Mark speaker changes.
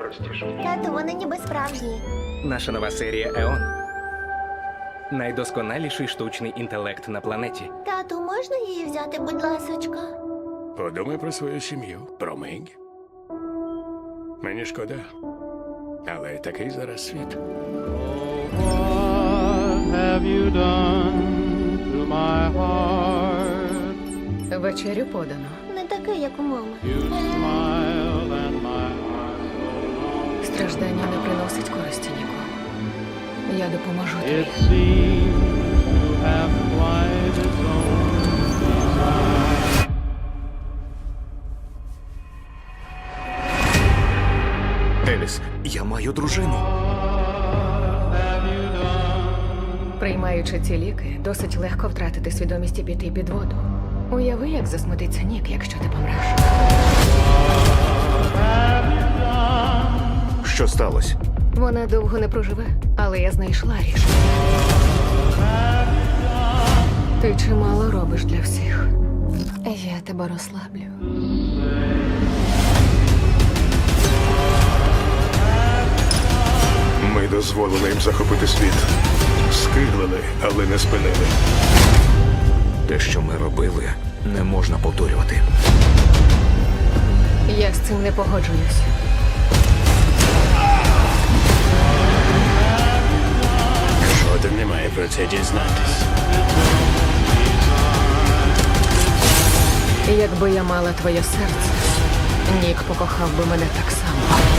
Speaker 1: простіше.
Speaker 2: Тату, вони ніби справжні.
Speaker 3: Наша нова серія Еон. Найдосконаліший штучний інтелект на планеті.
Speaker 2: Тату, можна її взяти, будь ласочка?
Speaker 1: Подумай про свою сім'ю, про Мегі. Мені шкода. Але такий зараз світ.
Speaker 4: What have you done to my heart?
Speaker 5: Вечерю подано.
Speaker 2: Не такий, як у мами.
Speaker 4: You smiled and my heart
Speaker 5: Страждання не приносить користі нікому. Я допоможу
Speaker 4: it
Speaker 5: тобі.
Speaker 4: seemed to have quite its own design.
Speaker 6: Еліс, я маю дружину.
Speaker 4: Have you done?
Speaker 5: Приймаючи ці ліки, досить легко втратити свідомість і піти під воду. Уяви, як засмутиться Нік, якщо ти помреш.
Speaker 6: Що сталося?
Speaker 5: Вона довго не проживе, але я знайшла рішення. Ти чимало робиш для всіх. Я тебе розслаблю.
Speaker 1: Ми дозволили їм захопити світ. Скиглили, але не спинили.
Speaker 6: Те, що ми робили, не можна повторювати.
Speaker 5: Я з цим не погоджуюсь.
Speaker 1: Жоден не має про це дізнатись.
Speaker 5: Якби я мала твоє серце, Нік покохав би мене так само.